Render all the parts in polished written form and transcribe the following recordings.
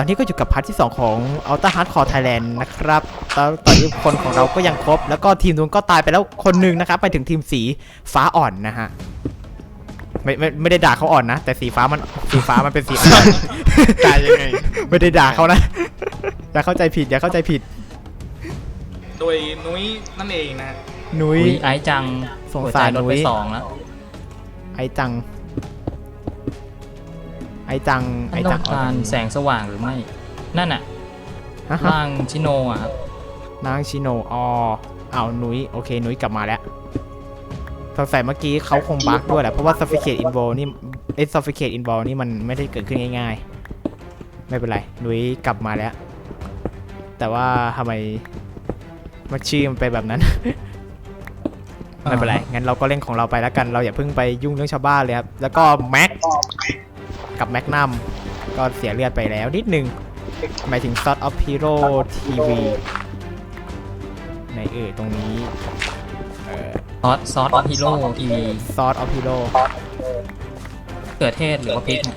อนนี้ก็อยู่กับพาร์ทที่ 2 ของ Ultra Hardcore Thailand นะครับตอนนี้คนของเราก็ยังครบแล้วก็ทีมนู้นก็ตายไปแล้วคนหนึ่งนะครับไปถึงทีมสีฟ้าอ่อนนะฮะไม่ได้ด่าเขาอ่อนนะแต่สีฟ้ามันเป็นสีอ่อนตายยังไงไม่ได้ด่าเขานะ อย่าเข้าใจผิดโดยนุ้ยนั่นเองนะนุ้ยไอ้จังสงสารหัวใจลดนุ้ไปย 2 แล้วไอจังมันต้องการแสงสว่างหรือไม่ นั่นน่ะฮะร่างชิโนอ่ะครับนางชิโนเอานุ้ยโอเคนุ้ยกลับมาแล้วสงสัยเมื่อกี้เขาคงบั๊กด้วยแหละเพราะว่า Suffocate Involve นี่Suffocate Involve นี่มันไม่ได้เกิดขึ้นง่ายๆไม่เป็นไรนุ้ยกลับมาแล้ว แต่ว่าทำไมมันชื่อมันไปแบบนั้น ไม่เป็นไรงั้นเราก็เล่นของเราไปแล้วกันเราอย่าเพิ่งไปยุ่งเรื่องชาวบ้านเลยครับแล้วก็แม็กกับแม็กนัมก็เสียเลือดไปแล้วนิดนึงหมายถึง Sword of Hero TV ในตรงนี้ซอสฮีโร่ทีวี Sword of Hero เกิดเทศหรือว่าพริกเนี่ย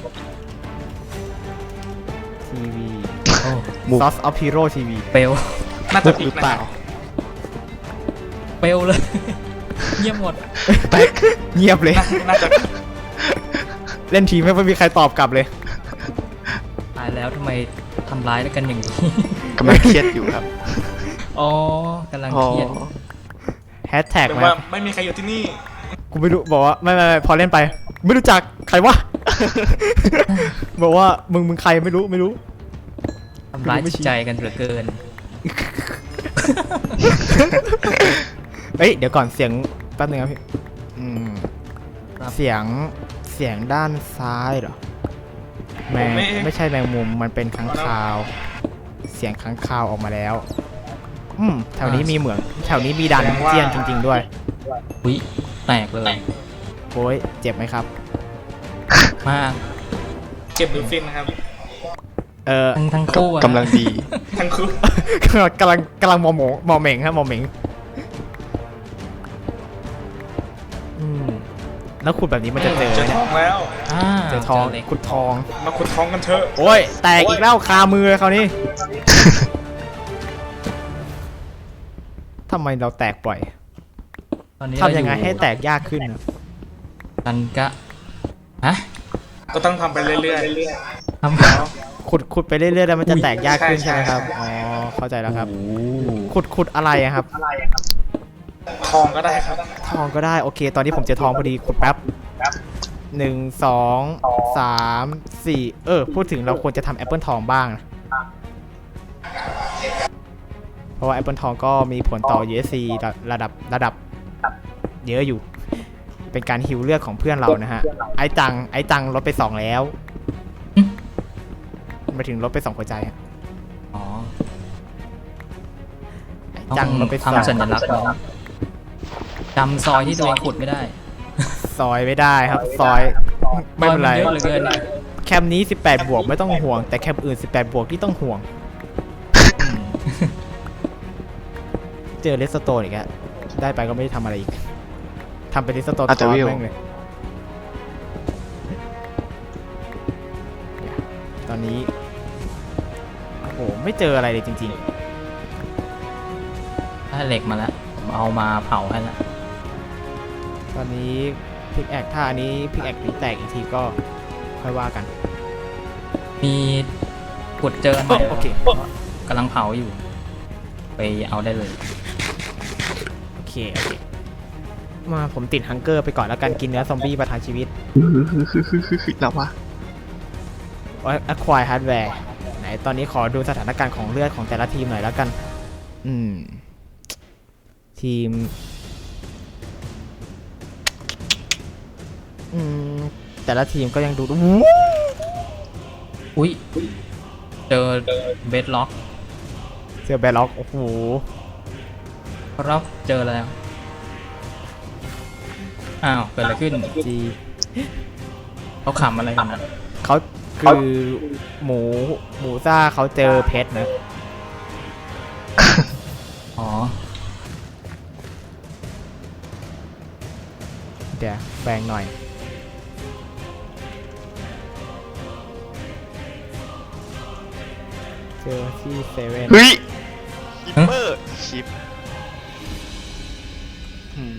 TV โอ้ Sword of Hero TV เปลวน่าจะผิดหรือนะเปล่าเปลวเลย เยี่ยมหมดเงียบเลยน่าจะเล่นทีไม่มีใครตอบกลับเลยตายแล้วทำไมทำร้ายกันอย่างนี้กำลังเครียดอยู่ครับอ๋อกำลังอ๋อเครียดแฮชแท็กแต่มาว่าไม่มีใครอยู่ที่นี่กูไม่รู้บอกว่าไม่พอเล่นไป ไม่รู้จักใครวะ บอกว่ามึงใครไม่รู้ทำร้ายจิตใจกันเหลือเกินเอ้ยเดี๋ยวก่อนเสียงแป๊บนึงครับพี่ครับเสียงด้านซ้ายเหรอไม่ใช่แมงมุมมันเป็นค้างคาว เสียงค้างคาวออกมาแล้วแถวนี้มีเหมืองแถวนี้มีดันเจียนจริง ๆด้วยอุ๊ยแตกเลยโอ้ยเจ็บไหมครับมากเก็บหรือฟินนะครับทั้งคู่อะกำลังดีทั้งคู่กำลังมอเหม่งครับมอเหม่งแล้วขุดแบบนี้มันจะเจอเจอไหมทเนี่อย งแล้วเจอทองเหล็กขุดทองมาขุดทองกันเถอะโอ้ยแตกอีกแล้วคามือเลยคราวนี้ ทำไมเราแตกบ่อยตอนนี้ทำยังไงให้แตกยากขึ้นนะกันกะฮะก็ต้องทำไปเรื่อยทำขุดไปเรื่อยๆแล้วมันจะแตกยากขึ้นใช่ใช่ไหมครับใช่อ๋อเข้าใจแล้วครับโอ้ขุดอะไรอะครับๆทองก็ได้ครับทองก็ได้โอเค ตอนนี้ผมเจอทองพอดีขุดแป๊บ1 2 3 4พูดถึงเราควรจะทำแอปเปิลทองบ้างนะเพราะว่าแอปเปิลทองก็มีผลต่อ USC ระดับเยอะอยู่ เป็นการฮิวเลือดของเพื่อนเรานะฮะไอ้จังลดไป2แล้วมาถึงลดไป2หัวใจอะอ๋อไอ้จังลดไป2 ทำสัญลักษณ์ไว้จำซอยที่ตัวเองขุดไม่ได้ซอยไม่ได้ครับซอยไม่เป็นไรซอยมันเยอะเหลือเกินแคมนี้18 บวกไม่ต้องห่วงแต่แคมอื่น18 บวกที่ต้องห่วง เจอเลสโตนอีกแล้วได้ไปก็ไม่ได้ทำอะไรอีกทำเป็นเลสโตนอาจจะวิวแม่งเลยตอนนี้โอ้โหไม่เจออะไรเลยจริงได้เหล็กมาแล้วผมเอามาเผาให้แล้วๆ ตอนนี้พิกแอคถ้าอันนี้พิกแอคแตกอีกทีก็ค่อยว่ากันมีขุดเจอหน่อยโอเคกำลังเผาอยู่ ไปเอาได้เลยโอเคมาผมติดฮังเกอร์ไปก่อนแล้วกันกินเนื้อซอมบี้ประทังชีวิตแล้ววะ acquire hardware ไหนตอนนี้ขอดูสถานการณ์ของเลือดของแต่ละทีมหน่อยแล้วกันทีมแต่ละทีมก็ยังดูอุ๊ยเจอเบสล็อกเจอแบล็อกโอ้โหครับเจอแล้วอ้าวเกิดอะไรขึ้นจีเขาขำอะไรกันนะเขาคือหมูซ่าเขาเจอเพชรนะอ๋อเดี๋ยวแบ่งหน่อยเจอที่เซเว่นเฮ้ยคิปเปอร์ชิปอืม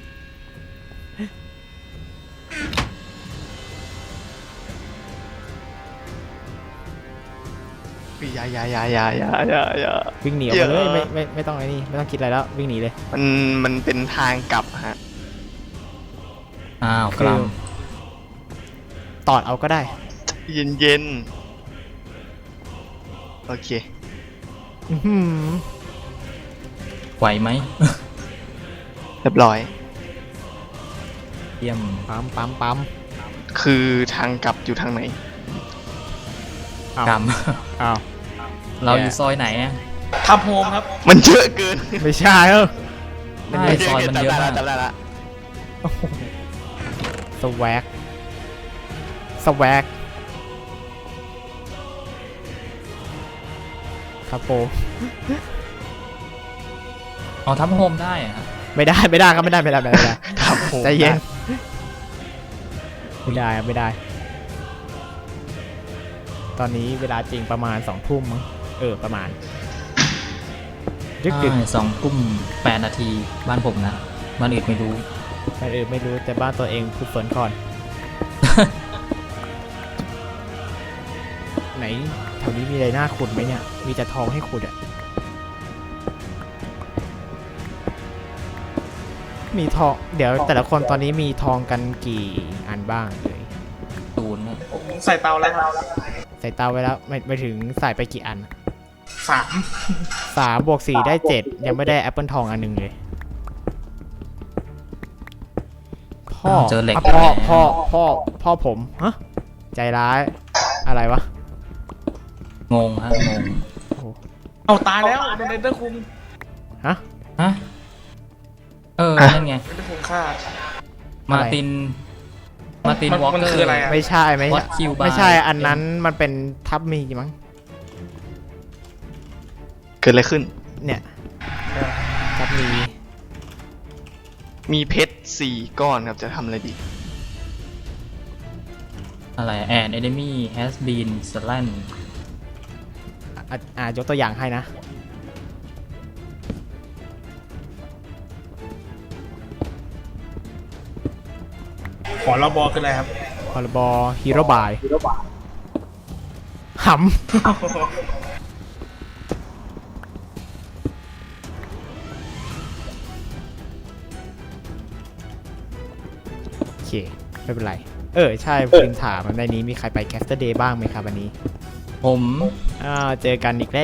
อย่าวิ่งหนีออกมาเลยไม่ต้องไอ้นี่ไม่ต้องคิดอะไรแล้ววิ่งหนีเลยมันเป็นทางกลับฮะอ้าวกคือลัมตอดเอาก็ได้เย็นโอเคอื้อหือไหวไหมเรียบร้อยเยี่ยมปั๊มคือทางกลับอยู่ทางไหนอ้าวกลัมอ้าวเราอยู่ซอยไหนอะทำโฮมครับมันเยอะเกินไม่ใช่ใช่ซอยมันเยอะมากจำได้ละสแวกครับผมอ๋อทับโฮมได้อะฮะไม่ได้ครับไม่ได้ครับผมใจเย็นไม่ได้ ตอนนี้เวลาจริงประมาณ2 ทุ่มมั้งประมาณดึกใช่2 ทุ่ม 8 นาทีบ้านผมนะบ้านอื่นไม่รู้ไม่รู้แต่บ้านตัวเองพูดฝนก่อน ไหนแถวนี้มีอะไรน่าขุดไหมเนี่ยมีแต่ทองให้ขุดอ่ะมีทองเดี๋ยวแต่ละคนตอนนี้มีทองกันกี่อันบ้างเลย 0นะผมใส่เตาแล้วครับใส่เตาไว้แล้วไม่ถึงใส่ไปกี่อัน 3 3 บวก 4 ได้ 7 ยังไม่ได้แอปเปิลทองอันหนึงเลยพ่อเจอเหล็กอ่ะพ่อผมฮะใจร้ายอะไรวะงงฮะงงเอาตายแล้วโดนเดนเตอร์คุงฮะฮะนั่นไงเดนเตอร์คุงฆ่ามาร์ตินวอลมันเกอร์คืออะไรอะไม่ใช่ What kill by ไม่ใช่อันนั้นมันเป็นทับมีมั้งเกิดอะไรขึ้นเนี่ยทับมีมีเพชร4 ก้อนครับจะทำอะไรดีอะไร an enemy has been slain ยกตัวอย่างให้นะขอระบอคืออะไรครับพรบฮีโร่บายหำโอเคไม่เป็นไรใช่พิมพ์ถามในนี้มีใครไปแคสเตอร์เดย์บ้างไหมครับวันนี้ผมเจอกันอีกแล้ว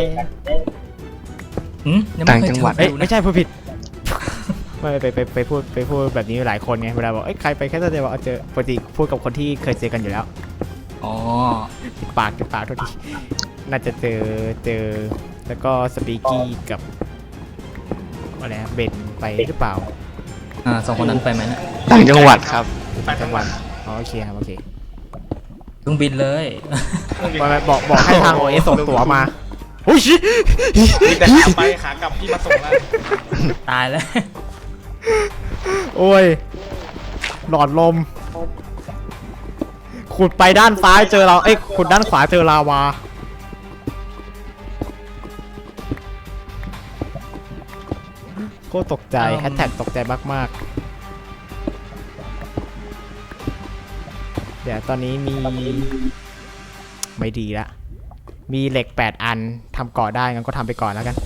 ยังไม่เคยต่างจังหวัดเจอไม่ใช่พูดผิด ไม่ไปพูดแบบนี้หลายคนไงเวลาบอกใครไปแคสเตอร์เดย์บอกเจอปกติพูดกับคนที่เคยเจอกันอยู่แล้วอ๋อติดปากโทษทีน่าจะเจอแล้วก็สปีกี้กับอะไรนะเบนไปหรือเปล่า 2 คนนั้นไปไหมนะต่างจังหวัดครับไปทั้งวันโอเคครับโอเคเครื่องบินเลยบอกให้ทาง OS ส่งตั๋วมาโอ้ยชิมีแต่ขาไปขากลับพี่มาส่งแล้วตายแล้วโอ้ยหลอดลมขุดไปด้านซ้ายเจอเราขุดด้านขวาเจอลาวาโคตรตกใจแฮชแท็กตกใจมากๆเดี๋ยวตอนนี้มีไม่ดีละมีเหล็ก8 อันทำเกาะได้งั้นก็ทำไปก่อนแล้วกัน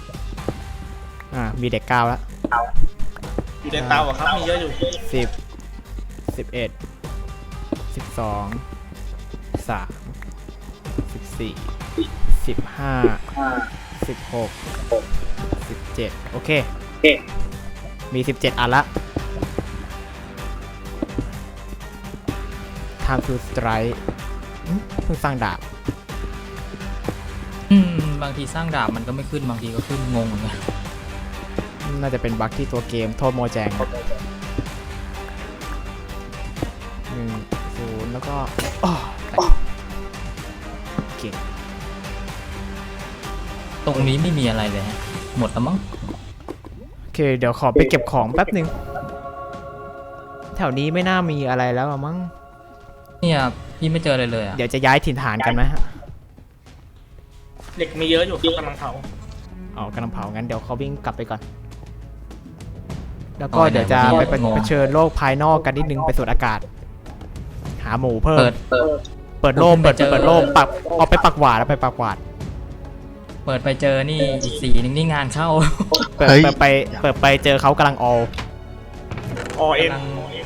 มีเหล็ก9แล้วอยู่ในเตาอะครับ มีเยอะอยู่ 10 11 12 13 14 15 16 17โอเคมี17 อันละ Time to strike เพิ่งสร้างดาบบางทีสร้างดาบมันก็ไม่ขึ้นบางทีก็ขึ้นงงเหมือนกันน่าจะเป็นบั๊กที่ตัวเกมโทษโมแจง1 0แล้วก็โอเคตรงนี้ไม่มีอะไรเลยฮะหมดแล้วมั้งโอเคเดี๋ยวขอไปเก็บของแป๊บหนึ่งแถวนี้ไม่น่ามีอะไรแล้วมั้งเนี่ยพี่ไม่เจออะไรเลยอ่ะเดี๋ยวจะย้ายถิ่นฐานกันไหมฮะเด็กมีเยอะอยู่ครับกำลังเผาอ๋อกำลังเผางั้นเดี๋ยวเขาวิ่งกลับไปก่อน แล้วก็เดี๋ยวจะไปเผชิญโลกภายนอกกันนิดนึงไปสูดอากาศ หาหมูเพิ่ม เปิดโล่มเปิดโล่มปักเอาไปปักหวาดแล้วไปปักหวาดเปิดไปเจอนี่อีกสีหนึงนี่งานเข้าเปิดไปเจอเขากำลังออลอเอ็นกำลัง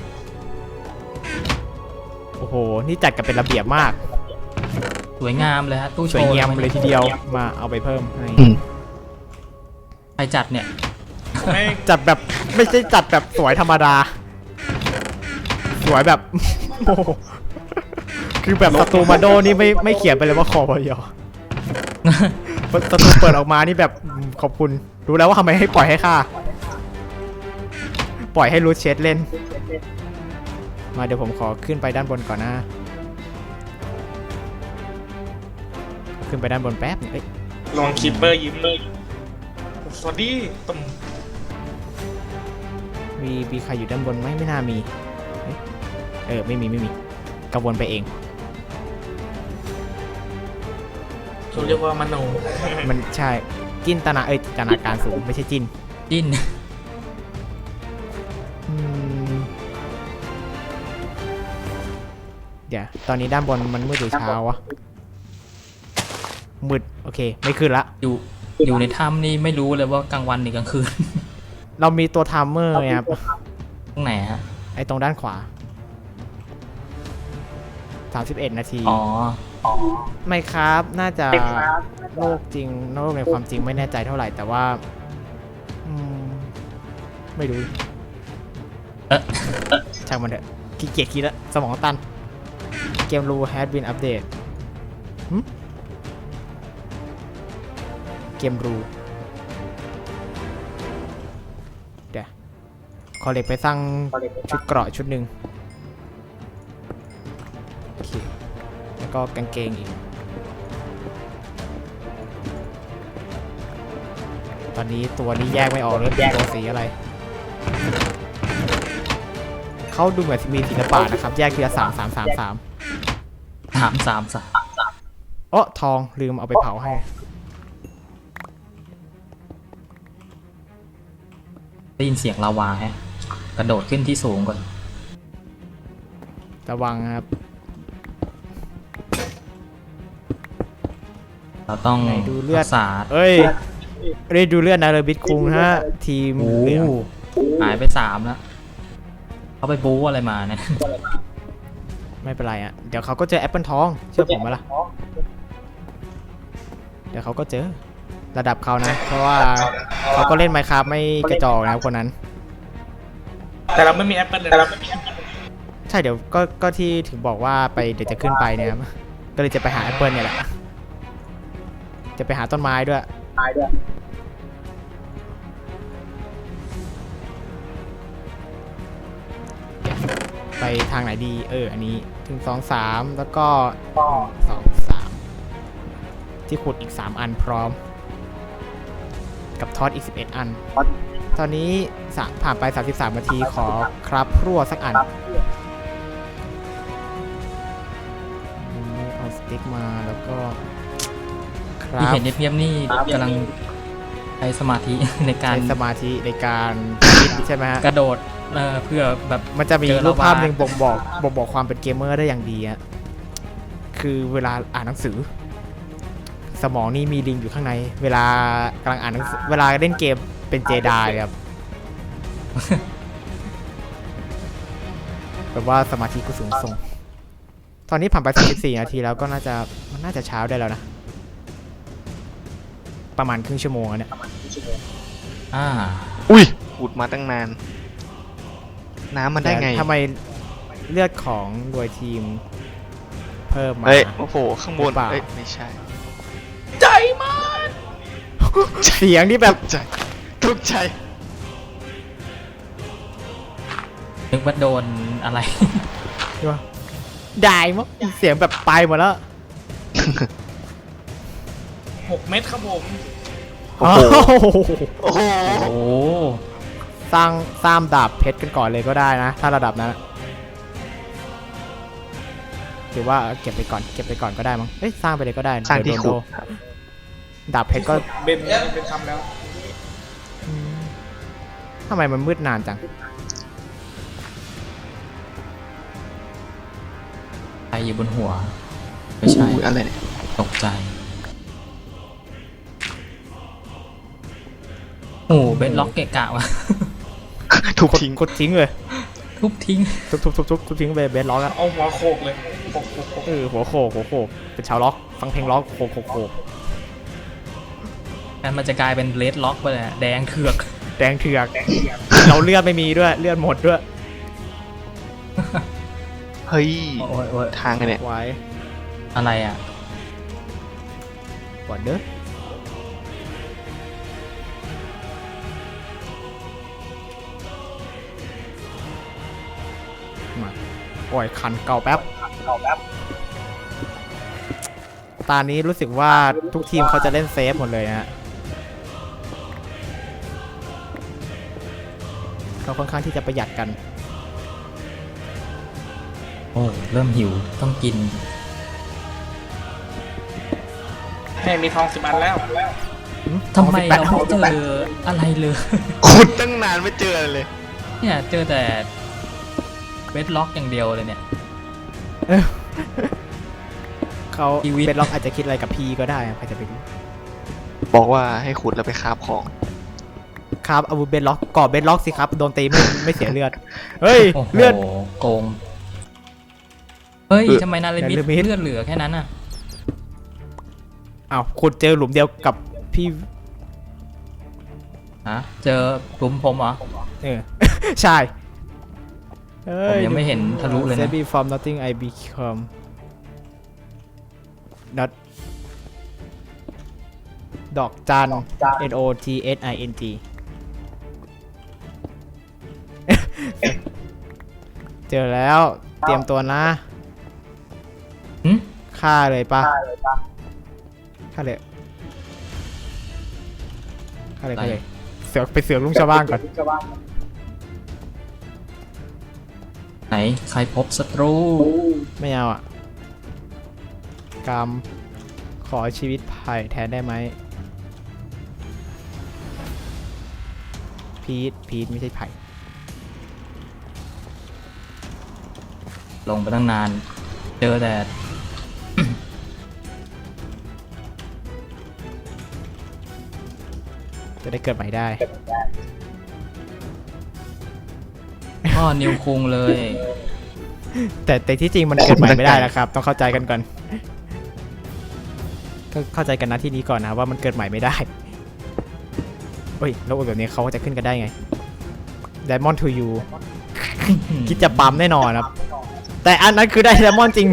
โอ้โห นี่จัดกันเป็นระเบียบมากสวยงามเลยฮะตู้โชสวยว์เงียมเลยทีเดียว มาเอาไปเพิ่มให้ใครจัดเนี่ยไม่จัดแบบไม่ใช่จัดแบบสวยธรรมดา สวยแบบ โอ้โหคือแบบสตูมาโดนี่ไม่เขียนไปเลยว่าคอพยอสตูเปิดออกมานี่แบบขอบคุณ รู้แล้วว่าทำไมให้ปล่อยให้ฆ่า ปล่อยให้รูทเชดเล่น มาเดี๋ยวผมขอขึ้นไปด้านบนก่อนนะ ขึ้นไปด้านบนแป๊บนึงเอ้ยลองคิปเปอร์ยิ้มสวัสดีตุ่มมีใครอยู่ด้านบนไหมไม่น่ามีเอ้ยไม่มีกระวนไปเองเขาเรียกว่ามโนมันใช่จินตนาการสูงไม่ใช่จินจิ้นอืมเดี๋ยวตอนนี้ด้านบนมันมืดหรือเช้าวะมืดโอเคไม่ขึ้นละอยู่ในถ้ำนี่ไม่รู้เลยว่ากลางวันหรือกลางคืนเรามีตัวไทม์เมอร์ไงครับตรงไหนฮะไอ้ตรงด้านขวา31 นาทีอ๋อไม่ครับน่าจะโลกจริงโลกในความจริงไม่แน่ใจเท่าไหร่แต่ว่าอืมไม่รู้ ช่างมันเถอะขี้เกียจคิดแล้วสมองตันเกมรู has been update หึเกมรูเดี๋ยวขอเหล็กไปสร้างชุดเกราะชุดหนึ่งโอเคแล้วก็กางเกงอีกตอนนี้ตัวนี้แยกไม่ออกเลยเป็นตัวสีอะไรเขาดูเหมือนมีศิลปะนะครับแยกทีละ3 3 3 3 3 โอ้ทองลืมเอาไปเผาให้ได้ยินเสียงลาวาฮะกระโดดขึ้นที่สูงก่อนระวังครับเราต้องไหนดูเลือดรักษาเอ้ยได้ดูเลือดนาเรบิทคุงฮะทีมโอ้เหลืองหายไป3แล้วเขาไปบู๊อะไรมาเนี่ยไม่เป็นไรอ่ะเดี๋ยวเขาก็เจอแอปเปิลทองเชื่อผมไหมล่ะเดี๋ยวเขาก็เจอระดับเขานะเพราะว่าเขาก็เล่นไมค์คราฟไม่กระจอกนะคนนั้นแต่เราไม่มีแอปเปิลเลยใช่เดี๋ยวก็ที่ถึงบอกว่าไปเดี๋ยวจะขึ้นไปเนี่ยครับก็เลยจะไปหาแอปเปิลเนี่ยแหละจะไปหาต้นไม้ด้วยไปทางไหนดีอันนี้ถึง2 3แล้วก็2 3ที่ขุดอีก3 อันพร้อมกับทอดอีก11 อันตอนนี้ผ่านไป33 นาทีขอครับรั่วสักอันเอาสติ๊กมาแล้วก็ครัที่บเห็นเพียบๆนี่กำลังใช้สมาธิ ในการใช้สมาธิในการคิดใช่ไหมฮะกระโดดเพื่อแบบมันจะมีเจอรูปภาพลาวาหนึ่งบ่งบอกความเป็นเกมเมอร์ได้อย่างดีอะคือเวลาอ่านหนังสือ สมองนี่มีลิงอยู่ข้างใน เวลากำลังอ่านหนังสือเวลาเล่นเกมเป็นเจไดครับ แบบว่าสมาธิก็สูงส่ง ตอนนี้ผ่านไป34 นาทีแล้วก็มันน่าจะเช้าได้แล้วนะ ประมาณครึ่งชั่วโมงแล้วเนี่ยอุ้ยขุดมาตั้งนาน น้ำมันได้ไงทำไมเลือดของหน่วยทีมเพิ่มมาเฮ้ยโอ้โหข้างบนหรือเปล่าเอ้ยไม่ใช่ใจมากเสียงที่แบบใจทุกใจนึกว่าโดนอะไรได้มั้งเสียงแบบไปหมดแล้ว 6 เม็ดครับผมโอ้โห โอ้โหโอ้โหสร้างดาบเพชรกันก่อนเลยก็ได้นะ ถ้าระดับนั้นถือว่าเก็บไปก่อนก็ได้มั้งเอ้ยสร้างไปเลยก็ได้สร้างที่เดี๋ยวโดนขุดครับดาบเพชรก็เบนทำแล้วทำไมมันมืดนานจังใครอยู่บนหัว ไม่ใช่อุ้ยอะไรเนี่ยตกใจ โอ้เบนล็อกเกะกะวะทุบทิ้งกดทิ้งเลยทุบทิ้งทุบทิ้งไปเบสล็อกอะเอาหัวโขกเลยโขกหัวโขกเป็นชาวล็อกฟังเพลงล็อกโขกงั้นมันจะกลายเป็นเลดล็อกไปเลยอะแดงเถือกแดงเถือกเราเลือดไม่มีด้วยเลือดหมดด้วยเฮ้ยโอ้ยโอ้ยทางไงเนี่ยไว้อะไรอ่ะก่อนเด้อมาปล่อยคันเก่าแป๊บตอนนี้รู้สึกว่าทุกทีมเขาจะเล่นเซฟหมดเลยนะฮะเขาค่อนข้างที่จะประหยัดกันโอ้เริ่มหิวต้องกินให้มีทอง10 อันแล้วทำไมเราไม่เจออะไรเลยขุดตั้งนานไม่เจออะไรเลยเนี่ยเจอแต่เบสล็อกอย่างเดียวเลยเนี่ยเขาชีวิตเป็นล็อกอาจจะคิดอะไรกับพี่ก็ได้ใครจะไปรู้บอกว่าให้ขุดแล้วไปคาบของครับอาวุธเบนล็อกก่อเบนล็อกสิครับโดนตีไม่เสียเลือดเฮ้ยโอ้โหเลือดโกง เฮ้ยเออทำไมนาริมิตนาริมิตเลือดเหลือแค่นั้นอ่ะอ้าวขุดเจอหลุมเดียวกับพี่ฮะ เจอหลุมผมเหรอเออ ใช่เฮ้ผมยังไม่เห็นทะลุเลยนะ Set me from nothing I become not ดอกจัน N O T S I N G เจอแล้วเตรียมตัวนะหึฆ่าเลยปะฆ่าเลยเสือกไปเสือกลุงชาวบ้านก่อนไหน ใครพบศัตรูไม่เอาอ่ะกรรมขอชีวิตไผ่แทนได้ไหมพีทไม่ใช่ไผ่ลงไปตั้งนาน เจอแต่จะได้เกิดใหม่ได้พ่อนิวคุงเลยแต่ที่จริงมันเกิดใหม่ไม่ได้แล้วครับ ต้องเข้าใจกันก่อนก็เข้าใจกันนะที่นี้ก่อนนะว่ามันเกิดใหม่ไม่ได้เฮ้ยแล้วแบบนี้เขาจะขึ้นกันได้ไง Diamond to you คิดจะปั๊มแน่นอนครับ แต่อันนั้นคือได้ Diamond จริง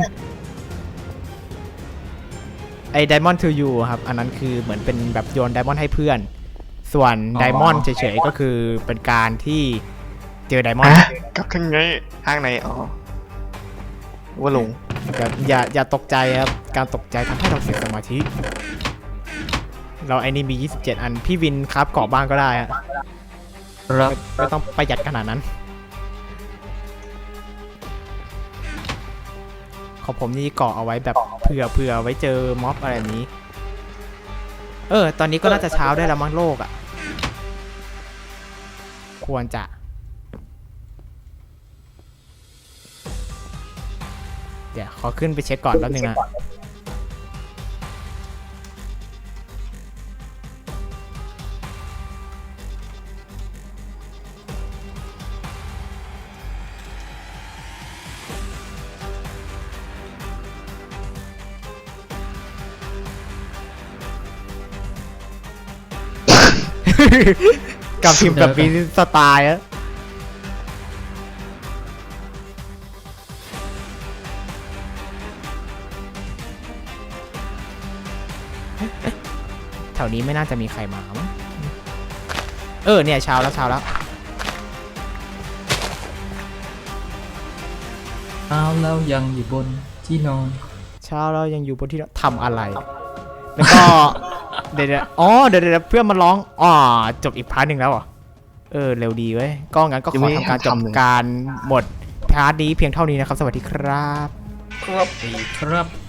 ไอ้ Diamond to you ครับอันนั้นคือเหมือนเป็นแบบโยน Diamond ให้เพื่อน ส่วน Diamond เฉยๆก็คือเป็นการที่เจอ Diamond กลับทางไงทางไหนอ๋อว่าลงอย่าตกใจครับ การตกใจทำให้เราเสียสมาธิ เราไอ้นี่มี 27 อัน พี่วินครับเกาะบ้างก็ได้ฮะครับไม่ต้องประหยัดขนาดนั้น ของผมนี่เกาะเอาไว้แบบเผื่อไว้เจอม็อบอะไรแบบนี้ ตอนนี้ก็น่าจะเช้าได้แล้วมั้งโลกอ่ะ ควรจะ เดี๋ยวขอขึ้นไปเช็คก่อนแป๊บนึงนะ กับทีมแบบมีสไตล์อะแถวนี้ไม่น่าจะมีใครมามั้งเนี่ยเช้าแล้วเอาแล้วยังอยู่บนที่นอนเช้าแล้วยังอยู่บนที่ทำอะไร แล้วก็ เดี๋ยวเพื่อนมาร้องจบอีกพาร์ทหนึ่งแล้วเหรอเร็วดีเว้ยก็งั้นก็ขอทำการจบการหมดพาร์ทนี้เพียงเท่านี้นะครับ สวัสดีครับครับดีครับ